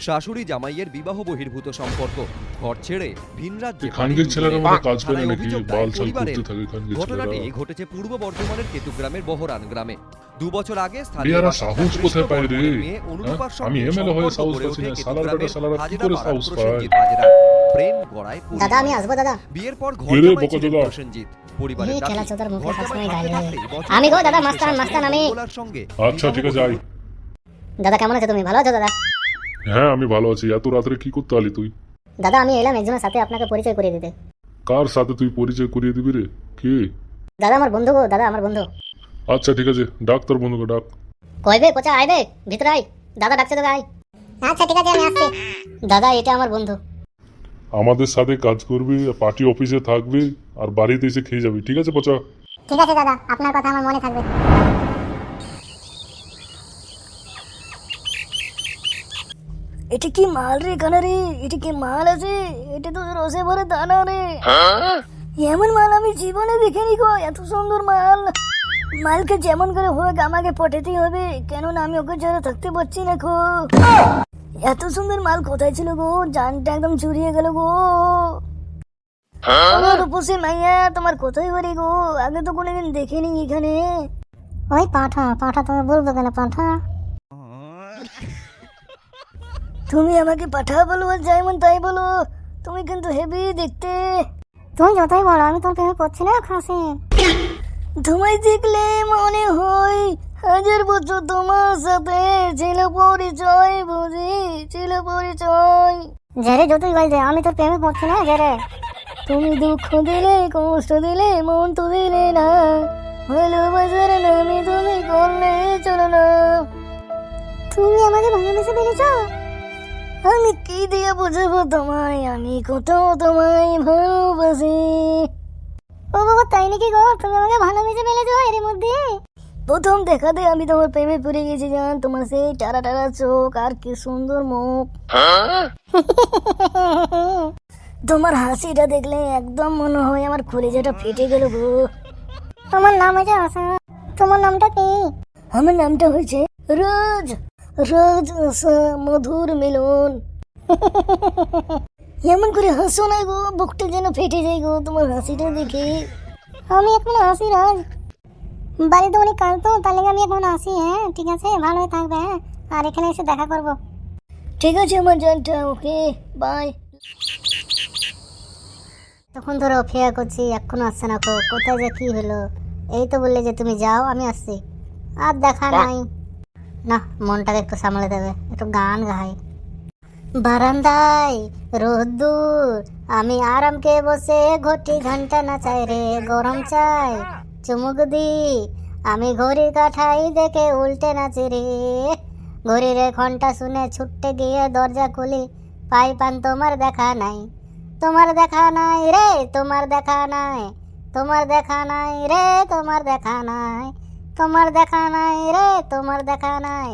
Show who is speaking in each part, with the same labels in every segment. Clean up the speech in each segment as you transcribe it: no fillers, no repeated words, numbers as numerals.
Speaker 1: শাশুড়ি জামাইয়ের বিবাহ বহির্ভূত সম্পর্ক, ঘর ছেড়ে ভিন রাজ্যে
Speaker 2: খানগের ছেলেরা মনে কাজ করে
Speaker 1: থানায়
Speaker 2: নাকি
Speaker 1: অভিযোগ দেয়
Speaker 2: বাল ছাল
Speaker 1: পরিবারের।
Speaker 2: করতে থাকে খানগের
Speaker 1: ঘটনাটি
Speaker 2: ছেলেরা।
Speaker 1: ঘটেছে পূর্ব বর্ধমানের কেতুগ্রামের বহরান গ্রামে। 2 বছর আগে
Speaker 2: বিয়ারা সাহস কোথায় পায় রে?
Speaker 1: মেয়ে অনুরূপার
Speaker 2: আমি
Speaker 1: সঙ্গে
Speaker 2: এমএলএ হয়ে
Speaker 1: সম্পর্ক
Speaker 2: সাহস
Speaker 1: গড়ে
Speaker 2: পাচ্ছি
Speaker 1: ওঠে
Speaker 2: না, সালার বেটা
Speaker 1: কেতুগ্রামের
Speaker 2: সালারা কি
Speaker 1: হাজরা
Speaker 2: করে
Speaker 1: পাড়ার
Speaker 2: সাহস পায়?
Speaker 1: প্রসেনজিৎ হাজরা। প্রেম গড়ায় পরিবার।
Speaker 3: দাদা আমি আসবো দাদা।
Speaker 1: বিয়ের পর ঘর
Speaker 2: কে রে
Speaker 1: জামাই ছিলেন
Speaker 2: বকচোদা?
Speaker 1: প্রসেনজিৎ। পরিবারের
Speaker 3: এই
Speaker 1: দাবি,
Speaker 3: খেলা চোদার মুখে
Speaker 1: ঘর
Speaker 3: সবসময়
Speaker 1: জামাই
Speaker 3: গালি
Speaker 1: হাতে
Speaker 3: দেয়।
Speaker 1: থাকলেই বছর
Speaker 3: আমি গো দাদা,
Speaker 1: পর
Speaker 3: মাস্তান, মাস্তান আমি।
Speaker 1: মঙ্গলার সঙ্গে
Speaker 2: আচ্ছা ঠিক আছে, যাই।
Speaker 3: দাদা কেমন আছো তুমি? ভালো আছো দাদা?
Speaker 2: হ্যাঁ আমি ভালো আছি। এত রাত্রে কি করতে আলি তুই?
Speaker 3: দাদা আমি এলাম একজনের সাথে আপনাকে পরিচয় করিয়ে দিতে।
Speaker 2: কার সাথে তুই পরিচয় করিয়ে দিবি রে? কে?
Speaker 3: দাদা আমার বন্ধু গো, দাদা আমার বন্ধু।
Speaker 2: আচ্ছা ঠিক আছে, ডাক তোর বন্ধুকে ডাক।
Speaker 3: কইবে পচা আইবে ভিতরে আই, দাদা ডাকছে তোকে আই। আচ্ছা ঠিক আছে আমি আসছি। দাদা এটা আমার বন্ধু।
Speaker 2: আমাদের সাথে কাজ করবি, পার্টি অফিসে থাকবি, আর বাড়িতে এসে খেয়ে যাবি, ঠিক আছে পচা?
Speaker 3: ঠিক আছে দাদা, আপনার কথা আমার মনে থাকবে।
Speaker 4: এটা কি মাল রে কানা রে? এটা কি মাল আছে? এটা তো রসে ভরে দানা রে। এমন মাল আমি জীবনে দেখিনি গো, এত সুন্দর মাল। মালকে যেমন করে হোক আমাকে পটাতেই হবে, কেননা আমি ওকে ছাড়া থাকতে পারছি না গো। এত সুন্দর মাল কোথায় ছিল গো? জানটা একদম চুরিয়ে গেল গো। আমার রূপসী মাইয়া তোমার কোথায় বাড়ি গো? আগে তো কোনোদিন দেখিনি এখানে।
Speaker 3: ওই পাঠা পাঠা, তুমি বলবো কেন পাঠা?
Speaker 4: তুমি আমাকে পাঠা বলো আর যেমন তাই বলো, তুমি কিন্তু হেভি দেখতে।
Speaker 3: তুমি যতই বলো আমি তোর প্রেমে পড়ছি না খাসি।
Speaker 4: তোমায় দেখলে মনে হয় 1000 বছর তোমার সাথে ছিল পরিচয়, বুঝি ছিল পরিচয়।
Speaker 3: জেরে যতই বলছে আমি তোর প্রেমে পড়ছি না জেরে।
Speaker 4: তুমি দুঃখ দিলে কষ্ট দিলে মন তো দিলে না, ভালোবাসার নামে তুমি করলে চলো না।
Speaker 3: তুমি আমাকে ভালোবেসে ফেলেছো?
Speaker 4: আমি কি দিয়ে বুঝাবো তোমায়, আমি কোথাও তোমায় ভালোবাসি।
Speaker 3: ও বাবা তাই নাকি গো? তুমি আমাকে ভালোবেসে ফেলেছো এর মধ্যে?
Speaker 4: প্রথম দেখাতে আমি তোমার প্রেমে পড়ে গেছি জান। তোমার সেই টারা টারা চোখ আর কি সুন্দর মুখ। তোমার হাসিটা দেখলে একদম মনে হয় আমার কলিজাটা ফেটে গেল গো।
Speaker 3: তোমার নাম হয়েছে আশা। তোমার নামটা কি?
Speaker 4: আমার নামটা হয়েছে রোজ। রোজ আশা মধুর মিলন। এমন করে হাসো না গো, বুকটা যেন ফেটে যায় গো তোমার হাসিটা দেখে।
Speaker 3: আমি এখন আসি রাজ, বাড়িতে অনেক কাজ তো, তাহলে আমি এখন আসি। হ্যাঁ ঠিক আছে, ভালোই থাকবে। হ্যাঁ, আর এখানে এসে দেখা করব।
Speaker 4: ঠিক আছে আমার জানটা, ওকে বাই।
Speaker 3: তখন ধরে অপেক্ষা করছি, এখনো আসছে না। কোথায় যে কি হলো? এই তো বললে যে তুমি যাও, আমি আসছি। আর দেখা নাই না, মনটাকে একটু সামলে দেবে, একটু গান গাই। বারান্দায় রোদ্দুর, আমি আরামকে বসে ঘটি ঘন্টা নাচাই রে, গরম চাই চুমুক দি, আমি ঘড়ি কাঠাই দেখে উল্টে নাচি রে। ঘড়ির ঘন্টা শুনে ছুটতে গিয়ে দরজা খুলি, পাই পান তোমার দেখা নাই। তোমার দেখা নাই রে, তোমার দেখা নাই, তোমার দেখা নাই রে, তোমার দেখা নাই, তোমার দেখা নাই রে, তোমার দেখা নাই।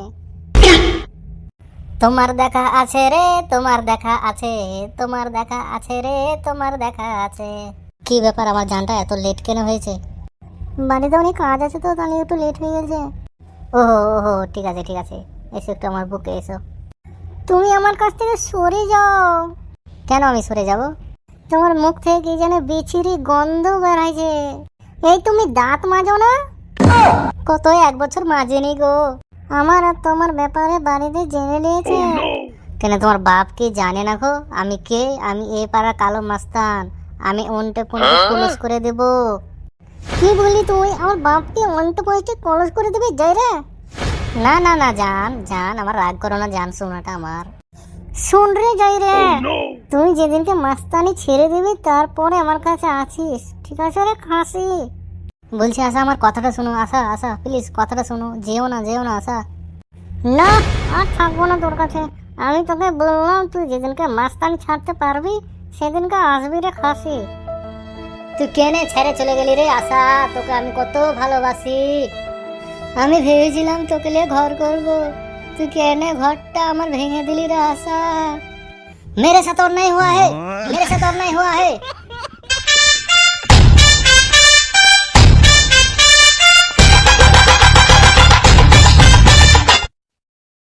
Speaker 3: তোমার দেখা আছে রে, তোমার দেখা আছে, তোমার দেখা আছে রে, তোমার দেখা আছে। কি ব্যাপার, আমার জানটা এত লেট কেন হয়েছে? বাড়িতে অনেক কাজ আছে তো, তাহলে একটু লেট হয়ে গেছে। ওহো ওহো, ঠিক আছে ঠিক আছে, এসো একটু আমার বুকে এসো। তুমি আমার কাছ থেকে সরে যাও। কেন আমি সরে যাব? তোমার মুখ থেকে কি যেন বিচ্ছিরি গন্ধ বেরাইছে। এই তুমি দাঁত মাজো না? কত 1 বছর মাজেনি গো। আমার আর তোমার ব্যাপারে বাড়িতে জেনে নিয়েছে। কেন তোমার বাপ কি জানে না গো আমি কে? আমি এই পাড়া কালো মাস্তান, আমি অন্টে পন্টে কলস করে দেব। কি বলি তুই? আমার বাপকে অন্টে পন্টে কলস করে দেবে? যাই রে। না না না জান, জান আমার রাগ করো না জান, শোনাটা আমার শুন রে। যাই রে, তুই যেদিনকে মাস্তানি ছেড়ে দিবি তারপরে আমার কাছে আছিস, ঠিক আছে রে খাসি? বলছি আশা আমার কথাটা শোনো। আশা আশা প্লিজ কথাটা শোনো, যেও না যেও না আশা। না আর থাকবো না তোর কাছে। আমি তোকে বললাম তুই যেদিনকে মাস্তানি ছাড়তে পারবি সেদিনকে আসবি রে খাসি। তুই কেনে ছেড়ে চলে গেলি রে আশা? তোকে আমি কত ভালোবাসি। আমি ভেবেছিলাম তোকে নিয়ে ঘর করব, তুই কেনে ঘরটা আমার ভেঙে দিলি রে আশা। मेरे साथ और नहीं हुआ है, मेरे साथ और नहीं हुआ है।